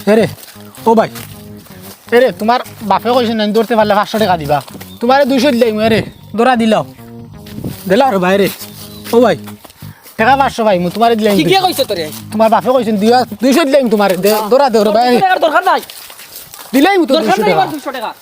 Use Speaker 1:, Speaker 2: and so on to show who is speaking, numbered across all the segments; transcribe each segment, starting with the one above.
Speaker 1: এরে ও ভাই এরে তোমার বাপে কইছে না ধরতে পারলে 500 টাকা দিবা তোমারে 200 দিলাই মু এরে ধরা দিলাও দিলা আর ভাই রে ও ভাই টাকা 500 ভাই মু তোমারে দিলাই
Speaker 2: কি কইছ তোরে
Speaker 1: তোমার বাপে কইছেন দিবা 200 দিলাই তোমারে ধরা দে রে ভাই
Speaker 2: দরকার নাই
Speaker 1: দিলাই মু তো
Speaker 2: দরকার
Speaker 1: 200
Speaker 2: নাই
Speaker 1: টাকা
Speaker 2: 200 টাকা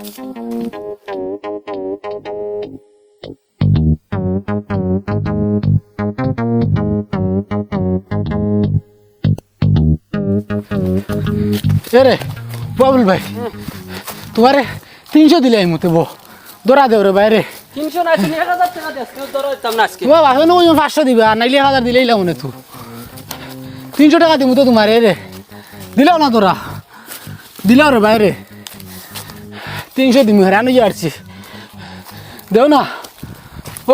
Speaker 1: এরে বাবুল ভাই তোমারে 300 দিলাই মুতে বো ধরা দে রে ভাই রে
Speaker 2: 300 না 1000 টাকা দেস কেউ ধরো দিতাম না আজকে
Speaker 1: তোমার বাপে নয় 500 দিবা আর নাইলে 1000 দিলেই লাও না তুই 300 টাকা দিমু তো তোমারে রে দিলাও না তোরা দিলাও রে ভাই রে 300 দিমু হারানো যাচ্ছি দেও না ও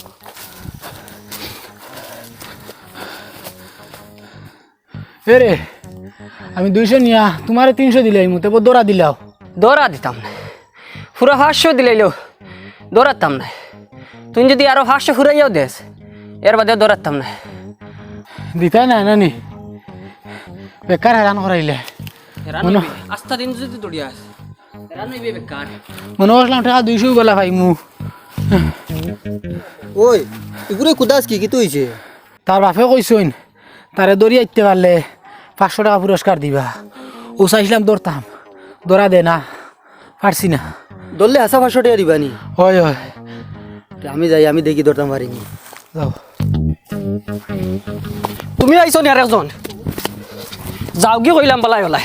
Speaker 1: এরে আমি 200 নিয়া তোমারে 300 দিলাই মুতে বো দৌড়া দিলাও
Speaker 2: দৌড়া দিতাম না পুরো 500 দিলাইলো দৌড়াতাম না তুই যদি আরো 500 ফুরাইয়াও দেস এর বাদে দৌড়াতাম না
Speaker 1: দিতাই না নানি বেকার হেরান করাইলে
Speaker 2: আস্থা দিন যদি দৌড়িয়াস রানইবে বেকার
Speaker 1: মনে করলাম টাকা 200 বলা ভাই মু
Speaker 3: ওই এগুলো কুদাস কি তো হইছে
Speaker 1: তার বাপে কইছইন তারে দড়ি আইতে পারলে 500 টাকা পুরস্কার দিবা ও চাইছিলাম দৌড়তাম দৌড়া দে না পারছি না
Speaker 3: দললে আসা 500 টাকা দিবানি
Speaker 1: হয় হয়
Speaker 3: আমি যাই আমি দেখি ধরতাম পারিনি
Speaker 1: যাও
Speaker 2: তুমি আইছো নি আরেকজন যাও কি কইলাম বলাই বলাই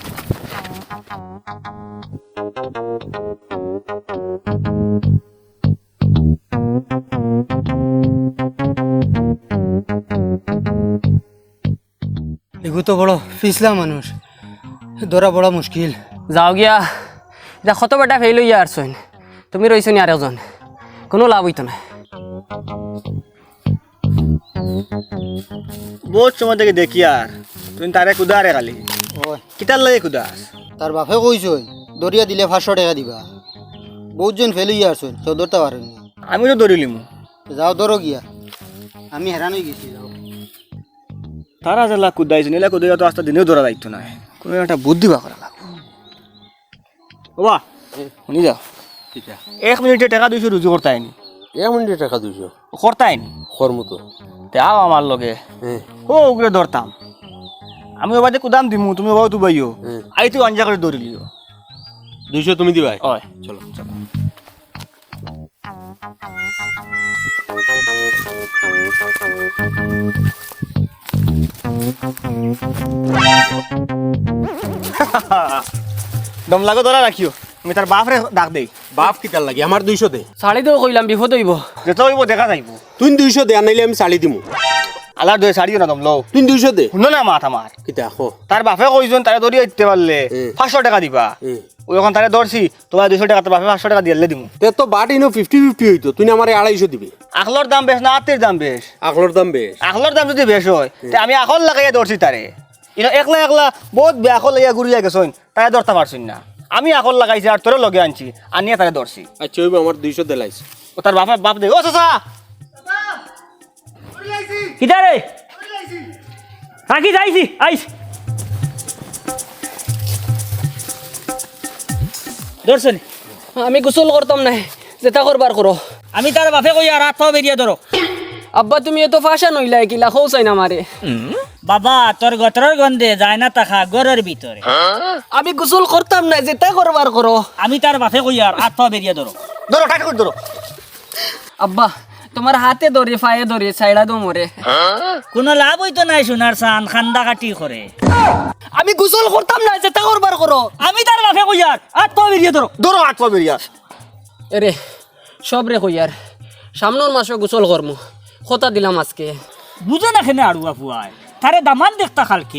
Speaker 3: এগু তো বড় পিছলা মানুষ ধরা বড় মুশকিল
Speaker 2: যাও গিয়া যা কত বেটা ফেল হইয়া আসছেন তুমি রইছো নি আরেকজন কোনো লাভ হইতো না
Speaker 4: বহুত সময় থেকে দেখি আর তুই তারে কুদারে খালি কিতার লাগে কুদাস
Speaker 3: তার বাপে কইছই দরিয়া দিলে 500 টাকা দিবা বহুতজন ফেল হইয়া আসছেন তো ধরতে পারেনি
Speaker 4: আমি তো দৌড়িলিমু
Speaker 3: যাও ধরো গিয়া আমি হেরান হয়ে গেছি যাও
Speaker 4: তারা জেলা কুদাইছে নিলে কুদাইয়া তো আস্তে দিনেও দৌড়া দায়িত্ব নাই কোনো একটা বুদ্ধি বা করা লাগবে বাবা শুনি যাও 1 মিনিটে টাকা 200 রুজু করতে আইনি
Speaker 5: 1 মিনিটে টাকা 200
Speaker 4: করতে আইনি
Speaker 5: খরমতো
Speaker 4: তে আও আমার লগে ও উগরে ধরতাম আমি ওবাদে কুদাম দিমু তুমি বাবু তু বাইও আই তুই অঞ্জা করে দৌড়ি লিও
Speaker 5: 200 তুমি দিবাই
Speaker 4: ওই
Speaker 5: চলো
Speaker 4: চলো দম লাগো ধরা রাখিও আমি তার বাপরে ডাক দেই
Speaker 5: বাপ কিতার লাগি আমার 200 দে
Speaker 2: শাড়ি তো কইলাম বিপদ হইব
Speaker 4: যেতে হইব দেখা যাইব
Speaker 5: তুই 200 দে আনাইলে আমি শাড়ি দিমু
Speaker 4: আলার দই শাড়িও না দম লও
Speaker 5: তুই 200 দে
Speaker 4: শুনো না মাথা মার
Speaker 5: কিতা খো
Speaker 4: তার বাপে কইজন তারে দড়ি আইতে পারলে 500 টাকা দিবা ওই যখন তারে ধরছি তোমার 200 টাকা তোর বাপে 500 টাকা দিলে দিমু
Speaker 5: তে তো বাট ইনো 50-50 হইতো তুই আমারে 250 দিবি
Speaker 4: আখলর দাম বেশ না আত্মের দাম বেশ
Speaker 5: আকলর দাম বেশ
Speaker 4: আখলর দাম যদি বেশ হয় তে আমি আখল লাগাইয়া ধরছি তারে ইনো একলা একলা বহুত বেআখল লাগাইয়া ঘুরিয়া গেছইন তারে ধরতে পারছিন না আমি আখল লাগাইছি আর তোরে লগে আনছি আনিয়া তারে ধরছি
Speaker 5: আচ্ছা হইব আমার 200 দে লাইছ
Speaker 4: ও তার বাপ দে ও চাচা
Speaker 2: কিটা রে থাকি যাইছি আইস
Speaker 6: ধরছেন
Speaker 2: আমি গোসল করতাম না যেটা করবার করো
Speaker 6: আমি তার বাপে কই আর হাত বেরিয়ে ধরো
Speaker 2: আব্বা তুমি এত ফাঁসা নইলাই কিলা খৌ চাই না মারে
Speaker 6: বাবা তোর গতরের গন্ধে যায় না তাখা গরের ভিতরে
Speaker 2: আমি গোসল করতাম না যেটা করবার করো
Speaker 6: আমি তার বাপে কই আর হাত বেরিয়ে ধরো
Speaker 4: ধরো টাইট করে ধরো
Speaker 2: আব্বা তোমার হাতে ধরে পায়ে ধরে ছাইড়া দো মরে
Speaker 6: কোনো লাভ হইতো নাই সোনার চান খান্দা কাটি করে
Speaker 2: আমি গোসল করতাম না যেটা করবার করো
Speaker 6: আমি তার বাপে কই আর হাত বেরিয়ে ধরো
Speaker 4: ধরো আট পা বেরিয়া
Speaker 2: এরে সব রে কইয়ার সামনের মাসে গোসল করমু কথা দিলাম আজকে
Speaker 6: বুঝে না খেনে আড়ুয়া ফুয়ায় তারে দামান দেখতা খালকে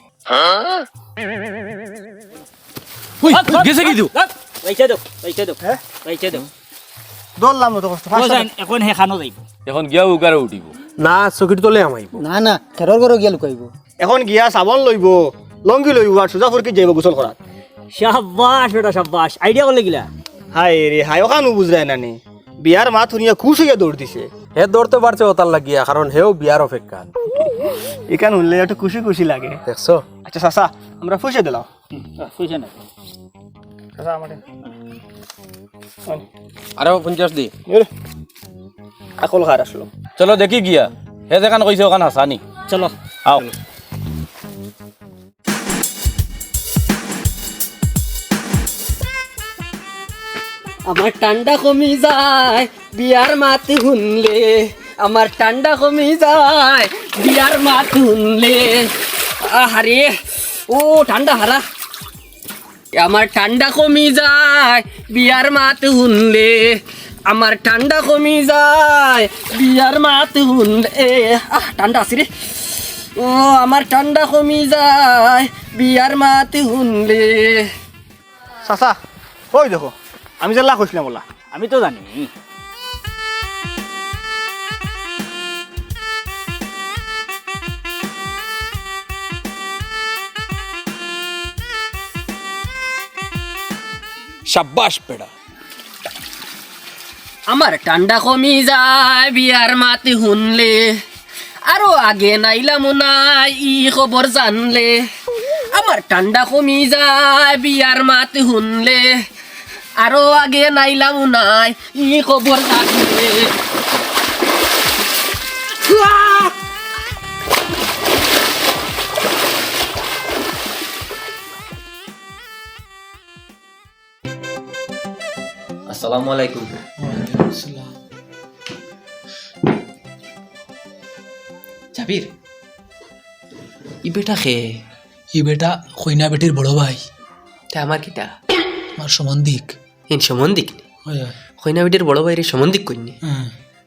Speaker 5: গেছে কি দিও
Speaker 6: পয়সা দাও পয়সা দাও
Speaker 4: ধরলাম তো কষ্ট
Speaker 6: এখন হেখানো যাইব
Speaker 5: এখন গিয়া উগারে উঠিব না চকির তলে আমাইব
Speaker 3: না না খেরর ঘর গিয়া লুকাইব
Speaker 4: এখন গিয়া সাবন লইব লঙ্গি লইব আর সোজা ফুরকি যাইব গোসল করাত
Speaker 6: শাবাশ বেটা শাবাশ আইডিয়া করলে গিলা
Speaker 4: হাই রে হাই ওখানো বুঝরাই নানি বিয়ার মা শুনিয়া খুশ হইয়া দৌড় দিছে
Speaker 5: হে দৌড়তে পারছে ও তার লাগিয়া কারণ হেও বিয়ার অপেক্ষা
Speaker 4: এখান উঠলে একটু খুশি খুশি লাগে।
Speaker 5: দেখছো
Speaker 4: আচ্ছা চাচা আমরা ফুসে দিলাম।
Speaker 6: পয়সা নাই
Speaker 4: চাচা আমার
Speaker 5: আরো 50 দি
Speaker 4: আকল খার আসলো।
Speaker 7: চলো দেখি গিয়া হে যেখান কইছে ওখান হাসানি
Speaker 6: চলো
Speaker 7: আও
Speaker 2: আমার ঠান্ডা কমি যায় বিয়ার মাত শুনলে, আমার ঠান্ডা কমি যায় বিয়ার মাত শুনলে। আহারে ও ঠান্ডা হারা, আমার ঠান্ডা কমি যায় বিয়ার মাত শুনলে, আমার ঠান্ডা কমি যায় বিয়ার মাত শুনলে। ঠান্ডা আছে রে, ও আমার ঠান্ডা কমি যায় বিয়ার মাত শুনলে।
Speaker 4: চাচা ওই দেখো আমি যে লাখ হইছিলাম বলা।
Speaker 6: আমি তো জানি
Speaker 5: শাবাশ বেড়া
Speaker 2: আমার ঠান্ডা কমি যায় বিয়ার মাতে শুনলে, আরো আগে নাইলাম নাই ই খবর জানলে। আমার ঠান্ডা কমি যায় বিয়ার মাতে শুনলে, আরো আগে নাইলাম নাই ই খবর জানলে।
Speaker 8: আসসালামু আলাইকুম। জাবির ই বেটা খে
Speaker 1: ই বেটা কইনা বেটির বড় ভাই,
Speaker 2: তা আমার কিটা
Speaker 1: আমার সম্বন্ধিক।
Speaker 2: এন সম্বন্ধিক নি?
Speaker 1: হয় হয়।
Speaker 2: হইনা বিটির বড় ভাইরে সম্বন্ধিক কইনি?
Speaker 1: হ্যাঁ।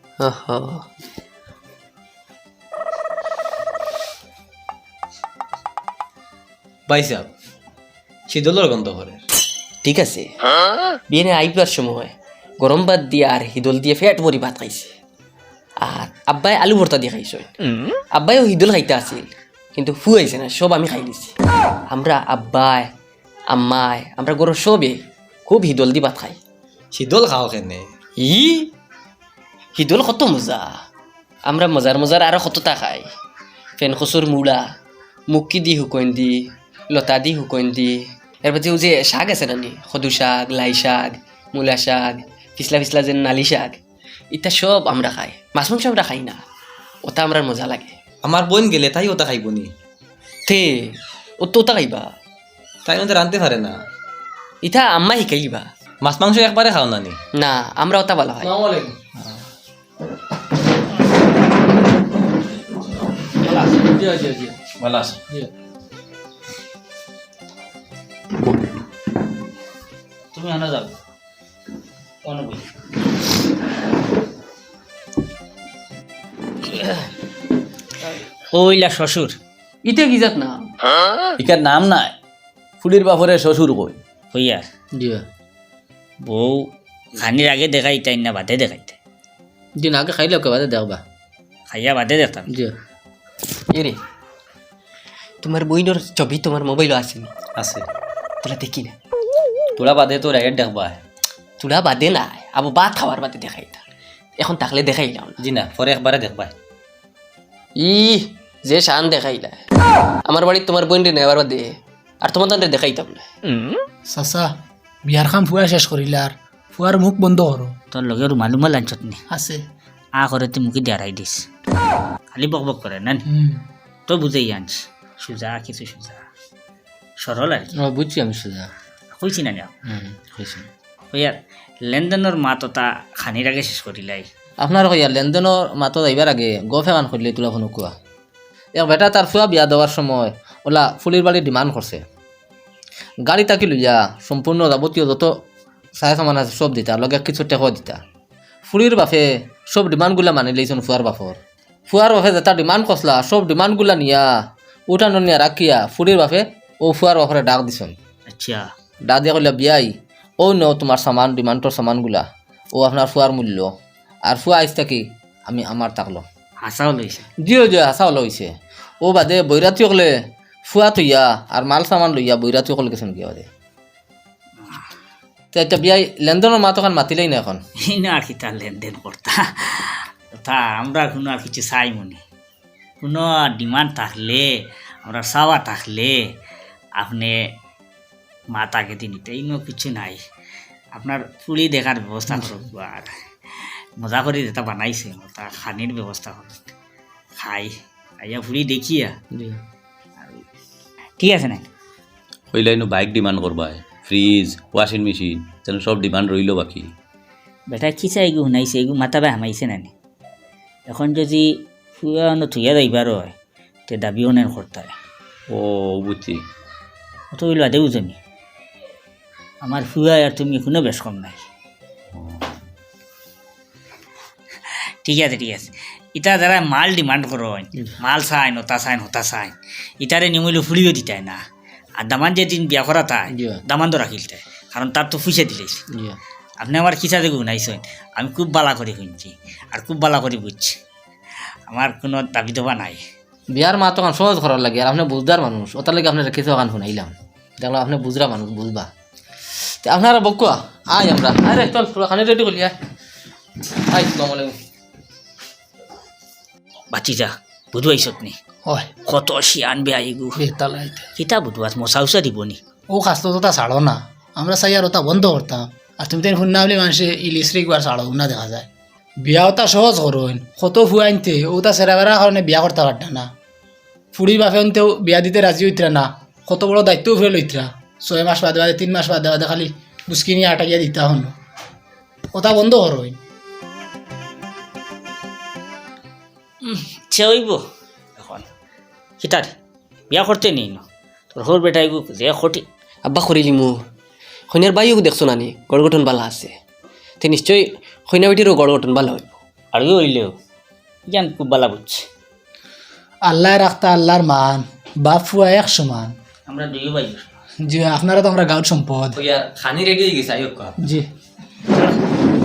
Speaker 8: ভাই সাহেব শীতলের গন্ধ করে।
Speaker 2: ঠিক আছে, বিয়ে আইবার সময় গরম ভাত দিয়ে আর হিদল দিয়ে ফেট ভরি ভাত খাইছে, আর আব্বাই আলু ভর্তা দিয়ে খাইছে। আব্বাইও হিদল খাইতে আছিল কিন্তু ফুয়াইছে না, সব আমি খাই দিছি। আমরা আব্বাই আম্মাই আমরা গরু সবে খুব হিদল দি ভাত খাই।
Speaker 8: শীতল খাও কেনে?
Speaker 2: ই হিদল কত মজা, আমরা মজার মজার আরো কতটা খাই। ফেন খসুর মুড়া মুক্কি দি শুকন দি লতা দি শুকন দি, এর বাদে যে শাক আছে নানি, সদু শাক, লাই শাক, মূলা শাক, পিছলা পিছলা যে নালি শাক, ইটা সব আমরা খাই। মাছ মাংস আমরা খাই না, ওটা আমরা মজা লাগে।
Speaker 8: আমার বোন গেলে তাই ওটা খাইব নি?
Speaker 2: তে ও তো ওটা খাইবা,
Speaker 8: তাই মধ্যে রাঁধতে পারে না।
Speaker 2: ইটা আম্মা শিখাইবা।
Speaker 8: মাছ মাংস একবারে খাও না নি?
Speaker 2: না আমরা ওটা ভালো খাই।
Speaker 7: ভালো আছে
Speaker 6: তুমি আনা যাও অনুভূতি ওইলা শ্বশুর
Speaker 2: ইটা কি যাত না
Speaker 7: ইকার নাম নাই, ফুলির বাপরে শ্বশুর কই।
Speaker 6: হইয়া বউ খানির আগে দেখাইতাই না বাদে দেখাইতে?
Speaker 2: দিন আগে খাইলে কেবাদে দেখবা।
Speaker 6: খাইয়া বাদে দেখতাম।
Speaker 2: এরে তোমার বইনোর ছবি তোমার মোবাইলও আছে নি?
Speaker 8: আছে।
Speaker 2: তোরা দেখি না?
Speaker 8: তোরা বাদে তোর আগে দেখবা।
Speaker 2: তোরা বাদে নাই, আবু ভাত খাওয়ার বাদে দেখাইতা। এখন থাকলে দেখাইলাম না।
Speaker 8: জি না, পরে একবারে দেখবা।
Speaker 2: ই যে শান দেখাইলা, আমার বাড়ির তোমার বোন রে নেওয়ার বাদে আর তোমার তান্ডে দেখাইতাম না।
Speaker 1: চাচা বিয়ার খাম ফুয়া শেষ করিলে আর ফুয়ার মুখ বন্ধ করো।
Speaker 6: তোর লগে রুমাল উমাল আনছত নি?
Speaker 1: আছে।
Speaker 6: আ করে তুই মুখে দেয়ারাই দিস, খালি বক বক করে না। তো বুঝেই আনছ সুজা, কিছু সুজা সরল আর কি।
Speaker 2: বুঝছি আমি সোজা
Speaker 6: কইছি না নিয়া
Speaker 2: হয়েছে।
Speaker 6: হইয়ার লেনদেনের মাততা খানির আগে শেষ করিলাই।
Speaker 9: আপনার কইয়া লেনদেনের মাতো যাইবার আগে গফে মান করলে তোলা ফোন কুয়া এক বেটা তার ফুয়া বিয়া দেওয়ার সময় ওলা ফুলির বাড়ি ডিমান্ড করছে, গাড়ি তাকি লইয়া সম্পূর্ণ যাবতীয় যত চাই সামান আছে সব দিতা, লগে কিছু টেক দিতা। ফুলির বাপে সব ডিমান্ডগুলা মানি লইছেন ফুয়ার বাপর। ফুয়ার বাপে যেটা ডিমান্ড করছিলা সব ডিমান্ডগুলা নিয়া উঠানো নিয়া রাখিয়া ফুলির বাপে ও ফুয়ার বাপরে ডাক দিছেন।
Speaker 6: আচ্ছা
Speaker 9: ডাক দিয়া কইলা বিয়াই ও ন তোমার সামান ডিমান্ডর সামানগুলা, ও আপনার ফুয়ার মূল্য। আর ফুয়া আইস থাকি আমি আমার তাকলো
Speaker 6: হাসাও লইছে।
Speaker 9: জিও জিও হাসা হলো হয়েছে। ও বাদে বৈরাতি হলে ফুয়া থইয়া আর মাল সামান লইয়া বৈরাতি হলে গেছেন কি বাদে। তো এটা বিয়াই লেনদেনের মা তখন মাতিলেই না এখন
Speaker 6: এই না আর কি তার লেনদেন করতা তা আমরা কোনো আর কিছু চাই মনে কোনো ডিমান্ড থাকলে আমরা চাওয়া থাকলে আপনি মাতাকে দিন এই কিছু নাই আপনার ফুলি দেখার ব্যবস্থা করুক আর মজা করে যেটা বানাইছে তা খানির ব্যবস্থা করুক খাই আইয়া ফুলি দেখিয়া ঠিক আছে না
Speaker 7: ওই লাইনও বাইক ডিমান্ড করবায় ফ্রিজ ওয়াশিং মেশিন যেন সব ডিমান্ড রইল বাকি
Speaker 6: বেটা কি চাই এগু শুনাইছে এগু মাতাবে হামাইছে না এখন যদি ফুয়ানো থুইয়া যাইবার হয় তে দাবিও নেন করতে
Speaker 7: ও বুঝছি
Speaker 6: অত হইল আদেও জমি আমার ফুয়া আর তুমি এখনো বেশ কম নাই ঠিক আছে ইটা যারা মাল ডিমান্ড করো মাল চাইন হতা চাইন ইটারে নিমইলে ফুলিও দিতাই না আর দামান যেদিন বিয়া করা তাই দামান তো রাখিল তাই কারণ তার তো ফুসে দিলেছে আপনি আমার খিচা দেখে শুনাইছেন আমি খুব বালা করে শুনছি আর খুব বালা করে বুঝছি আমার কোনো দাবি দেওয়া নাই
Speaker 9: বিয়ার মা তখন সহজ করার লাগে আর আপনি বুঝদার মানুষ ওটার লাগে আপনি রেখেছে ওখান শুনাইলাম দেখলাম আপনি বুঝরা মানুষ বুঝবা তো আপনারা বকুয়া আয় আমরা আরে চল তোরা খানি রেডি করলি আয় আসসালামু আলাইকুম
Speaker 6: বাঁচি যা বুধবাইছত নি
Speaker 1: হয়
Speaker 6: কত শিয়ান বে আইগু
Speaker 1: বেতালাইতে
Speaker 6: কিতা বুধবাস মশা উষা দিব নি
Speaker 1: ও খাসতো তো তা ছাড়ো না আমরা চাই আর ওটা বন্ধ করতাম আর তুমি তাই শুননা বলে মানুষে ইলিশরে একবার ছাড়ো না দেখা যায় বিয়া ওটা সহজ করুন কত ফুয়া আনতে ওটা সেরা বেড়ার কারণে বিয়া করতে পারত না ফুড়ি বাপে আনতেও বিয়া দিতে রাজি হইতরা না কত বড় দায়িত্বও ফেলে লইতরা 6 মাস বাদে 3 মাস বাদে খালি বুসকি নিয়ে আটাকিয়া দিতা হন ওটা বন্ধ করুন
Speaker 6: সে হইব এখন কিতার বিয়া করতে নেই না তোর হোর বেটা এগু যে খটি
Speaker 2: আব্বা করিলি মু কইনার বাইও দেখছো নানি গড় গঠন বালা আছে তে নিশ্চয়ই কইনা বেটিরও গড় গঠন বালা হইব
Speaker 6: আর হইলেও জান খুব বালা বুঝছে
Speaker 1: আল্লাহ রাখতা আল্লাহর মান বাপ ফুয়া এক সমান
Speaker 6: আমরা দুই ভাই
Speaker 1: জি আপনারা তো আমরা গাঁর সম্পদ
Speaker 9: খানি রেডি হয়ে গেছে আইয়ক
Speaker 1: জি